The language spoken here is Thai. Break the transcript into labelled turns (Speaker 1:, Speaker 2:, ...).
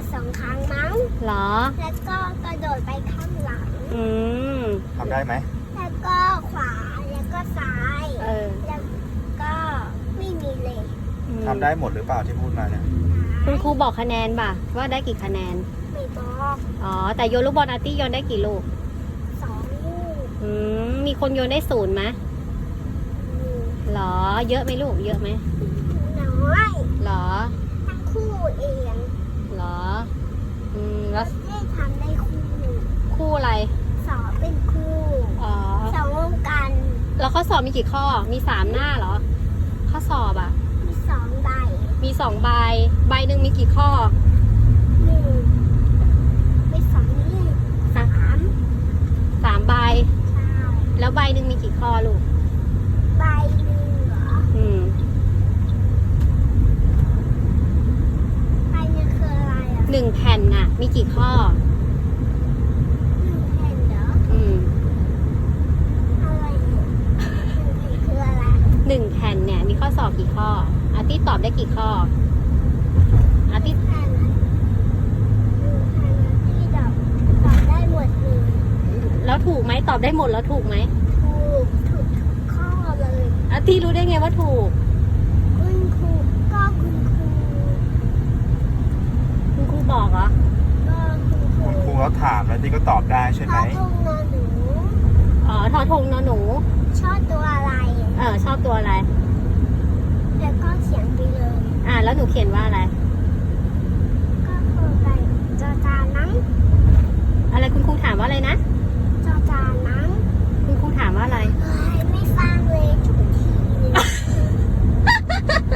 Speaker 1: 2 ครั้งมั้ง
Speaker 2: เหรอ
Speaker 1: แล้วก็กระโดดไปข้างหลัง
Speaker 2: อืม
Speaker 3: ทำได้ไหม
Speaker 1: แล้วก็ขวาแล้วก็ซ้าย แล้วก็ไม่มีเลย
Speaker 3: ทำได้หมดหรือเปล่าที่พูดมาเนี่ย
Speaker 2: คุณครูบอกคะแนนป่ะว่าได้กี่คะแนน
Speaker 1: ไม่บอก
Speaker 2: อ๋อ แต่โยนลูกบอลอาร์ตี้โยนได้กี่ลูก
Speaker 1: 2 ลูก
Speaker 2: มีคนโยนได้0ไหมเหรอ เยอะไหมลูก เยอะไหม
Speaker 1: น้อย
Speaker 2: เหรอ
Speaker 1: ทั้งคู่เอง
Speaker 2: เหรอ แล้ว
Speaker 1: ได้ทำได้คู่
Speaker 2: คู่อะไร
Speaker 1: สอบเป็นคู่
Speaker 2: อ๋อ
Speaker 1: สองวงกัน
Speaker 2: แล้วข้อสอบมีกี่ข้อ มี3หน้าเหรอ ข้อสอบอ่ะ
Speaker 1: มี2 ใบ
Speaker 2: มี2ใบ ใบหนึ่งมีกี่ข้อ
Speaker 1: 1มี2นี่3
Speaker 2: 3ใบ
Speaker 1: ใช่
Speaker 2: แล้วใบหนึ่งมีกี่ข้อลูก
Speaker 1: ใบหนึ่งเหรอ ใบหนึ่งคืออะไรอ่ะ
Speaker 2: 1แผ่นน่ะ มีกี่ข้อ
Speaker 1: 1 แผ่นเหรอ อะไรเนี่ย1 แผ่นคืออะไร
Speaker 2: 1แผ่นเนี่ยมีข้อสอบกี่ข้อ อาร์ตี้ตอบได้กี่ข้อ อาร์ตี้
Speaker 1: 1 แผ่นที่ตอบได้หมดเลย
Speaker 2: แล้วถูกไหมตอบได้หมดแล้วถูกไหม
Speaker 1: ถูกทุกข้อเลย
Speaker 2: อาร์ตี้รู้ได้ไงว่าถูก
Speaker 1: คุณครูก็คุณครู
Speaker 2: คุณครูบอกเหรอ
Speaker 1: ก็คุณครู
Speaker 3: คุณครูเขาถามแล้วที่ก็ตอบได้ใช่ไหม
Speaker 1: เขาพงนอนหนู
Speaker 2: อ๋อทอทงนอหนู
Speaker 1: ชอบตัวอะไร
Speaker 2: ชอบตัวอะไร
Speaker 1: แล้วก็เขียนไปเลย
Speaker 2: แล้วหนูเขียนว่าอะไร
Speaker 1: ก็คือไปจอจานนั้ง
Speaker 2: อะไรคุณครูถามว่าอะไรนะ
Speaker 1: จอจานนั้ง
Speaker 2: คุณครูถามว่าอะไร
Speaker 1: เฮ้ย